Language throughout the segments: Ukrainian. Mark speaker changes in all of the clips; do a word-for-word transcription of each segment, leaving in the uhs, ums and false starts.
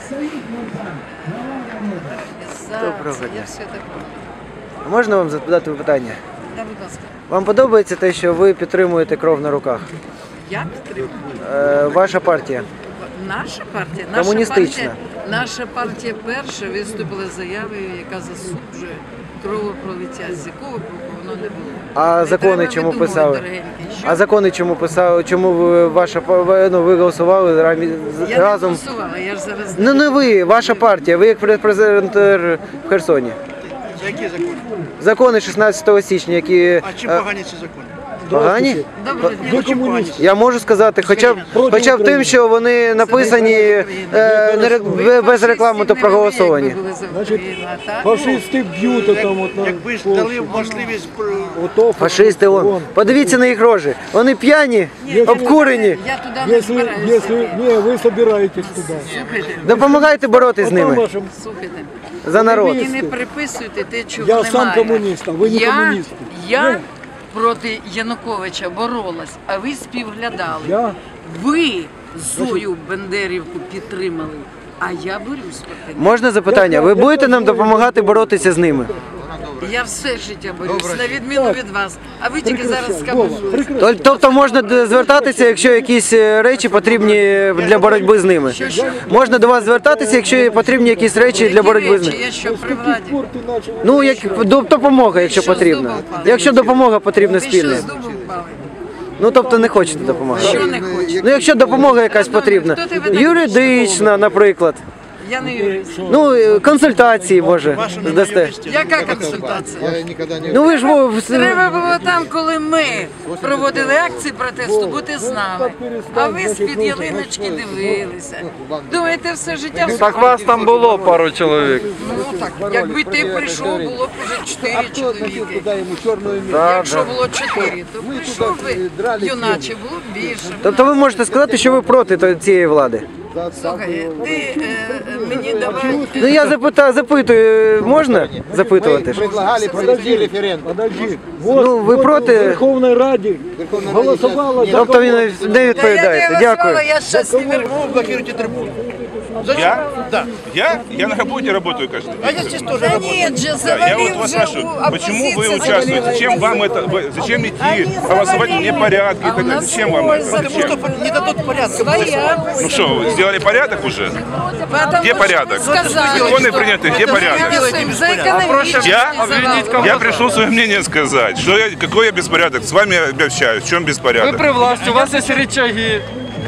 Speaker 1: Доброго дня.
Speaker 2: Я все таке.
Speaker 1: Можна вам задати питання?
Speaker 2: Да, будь ласка.
Speaker 1: Вам подобається те, що ви підтримуєте кров на руках?
Speaker 2: Я підтримую.
Speaker 1: Е, ваша партія?
Speaker 2: Наша партія, наша
Speaker 1: Комуністична.
Speaker 2: партія, наша партія перша виступила з заявою, яка засуджує кровопролиття, з якого боку воно не було.
Speaker 1: А
Speaker 2: Не
Speaker 1: закони
Speaker 2: треба
Speaker 1: чому
Speaker 2: видумувати,
Speaker 1: писали?
Speaker 2: дорогенький. Що?
Speaker 1: А закони чому писали? Чому ви, ваша ви, ну, ви голосували рамі- з-
Speaker 2: Я
Speaker 1: разом?
Speaker 2: не голосувала, я ж зараз...
Speaker 1: Ну не ви, ваша партія. Ви як презентер в Херсоні.
Speaker 3: Які закони?
Speaker 1: Закони шістнадцятого січня, які
Speaker 3: А чим
Speaker 1: е,
Speaker 3: погані ці закони?
Speaker 1: погані?
Speaker 2: Доброго дня.
Speaker 3: Ви комуніст.
Speaker 1: Я можу сказати, хоча б, хоча б тим, що вони написані е, не ре- без реклами, то проголосовані.
Speaker 3: Значить, фашисти б'ють отам от на
Speaker 4: Якби ж дали можливість
Speaker 3: ото
Speaker 1: Фашисти, вон. Подивіться на їх рожі. Вони п'яні, обкурені.
Speaker 2: Я туди не
Speaker 3: Если,
Speaker 2: збираюся.
Speaker 3: если, не, вы собираетесь туда.
Speaker 2: Слухайте,
Speaker 1: Допомагайте боротися з
Speaker 3: Потом
Speaker 1: ними
Speaker 3: вашим,
Speaker 2: слухайте.
Speaker 1: за народ.
Speaker 2: Ви не приписуйте те, чого
Speaker 3: Я
Speaker 2: немає.
Speaker 3: сам комуніст, а ви не
Speaker 2: я,
Speaker 3: комуніст.
Speaker 2: Я
Speaker 3: Ну.
Speaker 2: проти Януковича боролась, а ви співглядали.
Speaker 3: я,
Speaker 2: Ви Зою Бендерівку підтримали, а я борюсь проти них.
Speaker 1: Можна запитання? Ви будете нам допомагати боротися з ними?
Speaker 2: Я все життя борюсь, на відміну від вас. А ви тільки зараз
Speaker 3: Вова,
Speaker 2: скамуєте.
Speaker 3: прекрасно.
Speaker 1: Тол- Тобто можна д- звертатися, якщо якісь е, речі потрібні для боротьби з ними?
Speaker 2: Що, що?
Speaker 1: Можна до вас звертатися, якщо потрібні якісь речі для боротьби з
Speaker 2: Які речі?
Speaker 1: ними?
Speaker 2: Я що, при владі?
Speaker 3: Пор ты начал.
Speaker 1: Ну, як до- допомога, якщо
Speaker 2: що, з
Speaker 1: потрібна.
Speaker 2: дуба впали?
Speaker 1: Якщо допомога потрібна
Speaker 2: Ви що,
Speaker 1: спільна.
Speaker 2: з дубу впали?
Speaker 1: Ну, тобто не хочете допомагати.
Speaker 2: Що не хочете?
Speaker 1: Ну, якщо допомога якась потрібна.
Speaker 2: Хто тебе так
Speaker 1: Юридична, наприклад.
Speaker 2: Я не юрист.
Speaker 1: Ну, е, консультації, може, здасте.
Speaker 2: Яка консультація?
Speaker 1: Ну, ви ж во- в-
Speaker 2: Треба було там, коли ми проводили акції протесту, бути з нами. А ви з-під ялиночки дивилися. Думаєте, все життя в
Speaker 5: Так вас там було пару чоловік.
Speaker 2: Ну так, якби ти прийшов, було б вже чотири чоловіки.
Speaker 5: Да,
Speaker 2: Якщо
Speaker 5: да.
Speaker 2: було чотири, то прийшов би юначе, було б більше.
Speaker 1: Тобто ви можете сказати, що ви проти то- цієї влади?
Speaker 2: Слухай, ти е, мені давай.
Speaker 1: Ну, я запитаю, запитую, можна запитувати ж?
Speaker 4: предлагали провести референдум.
Speaker 3: Подожди. Вот,
Speaker 1: Ну, ви
Speaker 3: вот
Speaker 1: проти?
Speaker 3: в Верховной Раді голосувала за
Speaker 1: Тобто ви не не
Speaker 2: Та я
Speaker 1: відповідаєте.
Speaker 2: не
Speaker 1: Дякую.
Speaker 2: голосувала, я щас не верну.
Speaker 4: Вы блокируете трибуну.
Speaker 6: Я? Да. Я? Я на работе работаю каждый день.
Speaker 4: А я здесь тоже
Speaker 2: Да
Speaker 4: работаю.
Speaker 2: нет же,
Speaker 6: Да, я вот
Speaker 2: завалил
Speaker 6: вас
Speaker 2: же
Speaker 6: спрашиваю,
Speaker 2: у
Speaker 6: почему вы
Speaker 2: оппозиции
Speaker 6: участвуете?
Speaker 2: завалил.
Speaker 6: Зачем вам это? вы- Зачем идти
Speaker 2: Они
Speaker 6: голосовать
Speaker 2: завалили.
Speaker 6: вне порядка и
Speaker 2: А
Speaker 6: так
Speaker 2: у
Speaker 6: далее?
Speaker 2: нас
Speaker 6: Зачем вам
Speaker 2: свой
Speaker 6: это?
Speaker 2: закон.
Speaker 4: Потому что не дадут порядка.
Speaker 2: Своя.
Speaker 6: Ну что, вы сделали порядок уже?
Speaker 2: Потому
Speaker 6: Где
Speaker 2: что
Speaker 6: порядок?
Speaker 2: вы сказали,
Speaker 6: Законы
Speaker 2: что
Speaker 6: приняты, где
Speaker 2: это
Speaker 6: порядок?
Speaker 2: мы голосуем за экономический
Speaker 6: Я?
Speaker 2: завал.
Speaker 6: Я пришел свое мнение сказать. Что я, какой я беспорядок? С вами я общаюсь. В чем
Speaker 5: Ви
Speaker 6: беспорядок?
Speaker 5: при власті, у вас є рычаги.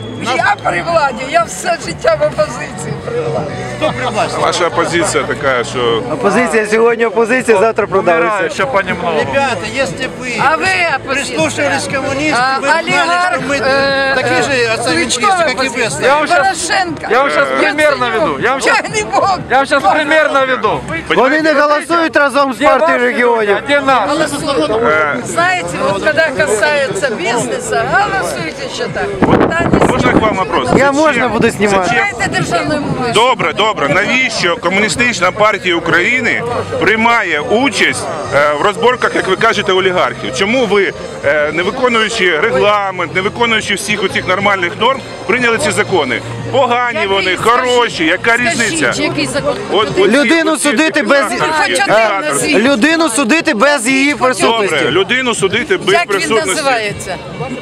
Speaker 2: Я при владі, я все життя в опозиції при владі.
Speaker 6: Ваша оппозиция такая, что...
Speaker 1: Опозиція сьогодні опозиція, завтра
Speaker 5: Умираю
Speaker 1: продавиться.
Speaker 5: ще понемногу.
Speaker 4: Ребята, если вы
Speaker 2: А ви опозиція.
Speaker 4: прислушивались к коммунистам,
Speaker 2: А,
Speaker 4: вы знали,
Speaker 2: олигарх,
Speaker 4: что мы
Speaker 2: э,
Speaker 4: такие же
Speaker 2: э,
Speaker 4: отцовенчисты,
Speaker 2: Кличко
Speaker 4: как и вы.
Speaker 2: оппозиция.
Speaker 5: Я вам щас-
Speaker 2: Порошенко.
Speaker 5: я вам щас пример
Speaker 2: Яценюк.
Speaker 5: наведу. Я вам щас-
Speaker 2: Чайний бог.
Speaker 5: Я вам зараз примір наведу.
Speaker 1: Вони не голосують разом з
Speaker 5: Де
Speaker 1: партією
Speaker 5: ваші
Speaker 1: регіонів.
Speaker 5: люди, а де наші?
Speaker 2: Голосуют.
Speaker 6: Э,
Speaker 2: Знаете, вот когда касается бизнеса, голосуйте еще так. Да, не
Speaker 6: Можно к вам вопрос?
Speaker 1: Я
Speaker 6: Зачем?
Speaker 1: можна буду знімати?
Speaker 6: Зачем?
Speaker 2: знаєте державною мовою.
Speaker 6: Добре, добре. Навіщо Комуністична партія України приймає участь е, в розборках, як ви кажете, олігархів? Чому ви, е, не виконуючи регламент, не виконуючи всіх оцих нормальних норм, прийняли ці закони? Погані вони, хороші, яка різниця?
Speaker 2: Скажіть, який закон?
Speaker 6: От, оці-
Speaker 1: Людину
Speaker 6: оці
Speaker 1: судити без-
Speaker 6: диктаторські,
Speaker 2: Хоч один
Speaker 6: диктаторські.
Speaker 2: назвіть.
Speaker 1: Людину судити без її присутності.
Speaker 6: Добре, людину судити без
Speaker 2: Як він
Speaker 6: присутності.
Speaker 2: називається?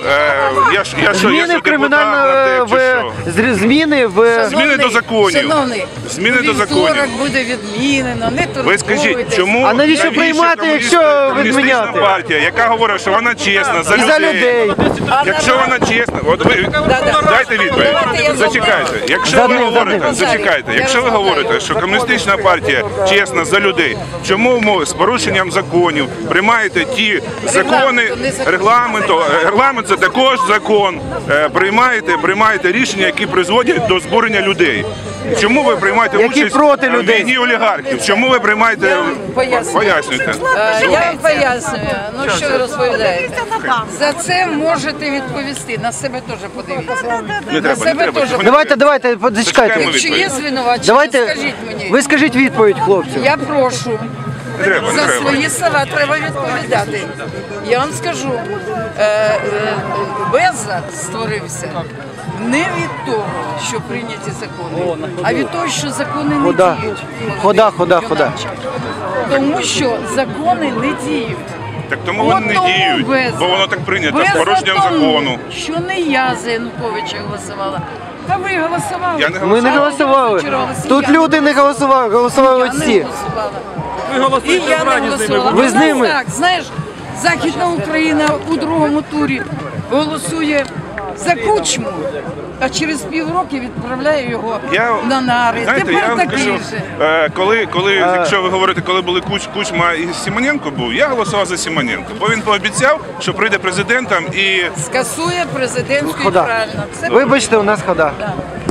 Speaker 6: Е, я ж, я що, я
Speaker 1: Зміни
Speaker 6: що,
Speaker 1: в кримінальну
Speaker 6: депутат,
Speaker 1: в
Speaker 6: чи що?
Speaker 1: зр- зміни в
Speaker 6: Зміни до законів.
Speaker 2: Шановний,
Speaker 6: Зміни до
Speaker 2: вівторок
Speaker 6: законів.
Speaker 2: буде відмінено, не турбуйтесь.
Speaker 6: Ви скажіть, чому
Speaker 1: А навіщо
Speaker 6: навіщо
Speaker 1: приймати,
Speaker 6: комуністична-
Speaker 1: якщо
Speaker 6: комуністична
Speaker 1: відміняти?
Speaker 6: партія, яка говорить, що вона чесна за
Speaker 1: і
Speaker 6: людей.
Speaker 1: за людей.
Speaker 6: Якщо вона чесна, от ви
Speaker 2: Да-да.
Speaker 6: дайте відповідь.
Speaker 2: Давайте я
Speaker 6: Зачекайте. Якщо
Speaker 1: За
Speaker 6: ви
Speaker 1: одним, за
Speaker 6: говорите,
Speaker 1: одним.
Speaker 6: зачекайте.
Speaker 2: Я
Speaker 6: Якщо ви
Speaker 2: розмовляю.
Speaker 6: говорите, що комуністична партія чесна за людей, чому ми з порушенням законів приймаєте ті закони
Speaker 2: Регламенту, не закон.
Speaker 6: регламенту? Регламент це також закон. Е, Приймаєте, приймаєте рішення, які призводять до збурення людей. Чому ви приймаєте
Speaker 1: Які
Speaker 6: участь
Speaker 1: проти
Speaker 6: в
Speaker 1: людей.
Speaker 6: війні олігархів? Чому ви приймаєте?
Speaker 2: Я вам поясню.
Speaker 6: Пояснюйте.
Speaker 2: Е, Я вам пояснюю. Ну що ви розповідаєте? За це можете відповісти. На себе теж подивіться.
Speaker 6: Не
Speaker 2: На
Speaker 6: треба, не
Speaker 2: себе
Speaker 6: треба.
Speaker 2: теж.
Speaker 1: Давайте, давайте, зачекайте.
Speaker 6: Зачекаємо.
Speaker 2: Якщо є звинувачення,
Speaker 1: Давайте,
Speaker 2: скажіть мені.
Speaker 1: ви скажіть відповідь хлопцю.
Speaker 2: Я прошу.
Speaker 6: Не треба, не
Speaker 2: За
Speaker 6: треба.
Speaker 2: свої слова треба відповідати. Я вам скажу, е, е, Беза створився Не від того, що прийняті закони, а від того, що закони не
Speaker 1: Хода.
Speaker 2: діють.
Speaker 1: Хода, хода, хода.
Speaker 2: Юначе. Тому що закони не діють.
Speaker 6: Так тому вони не
Speaker 2: От
Speaker 6: діють,
Speaker 2: тому без-
Speaker 6: бо воно так прийнято,
Speaker 2: без
Speaker 6: з порушенням
Speaker 2: тому,
Speaker 6: закону.
Speaker 2: Що не я за Януковича голосувала, а ви голосували.
Speaker 6: Я не
Speaker 1: Ми не голосували. Тут люди не голосували, голосували
Speaker 2: Я не
Speaker 1: всі.
Speaker 2: голосувала.
Speaker 5: Ви голосуєте
Speaker 2: І я не
Speaker 5: зрані з ними.
Speaker 2: голосувала.
Speaker 1: Ви з
Speaker 2: У нас
Speaker 1: ними?
Speaker 2: Так, знаєш, Західна Україна у другому турі голосує за Кучму, а через півроку відправляє його
Speaker 6: Я,
Speaker 2: на нари.
Speaker 6: знаєте, я
Speaker 2: Тепер
Speaker 6: вам
Speaker 2: такий
Speaker 6: скажу,
Speaker 2: же.
Speaker 6: е, коли, коли якщо ви говорите, коли були Куч, Кучма і Симоненко був, я голосував за Симоненко, бо він пообіцяв, що прийде президентом і
Speaker 2: Скасує президентську і
Speaker 1: Хода.
Speaker 2: правильно. Це
Speaker 1: Вибачте, у нас хода.
Speaker 2: Да.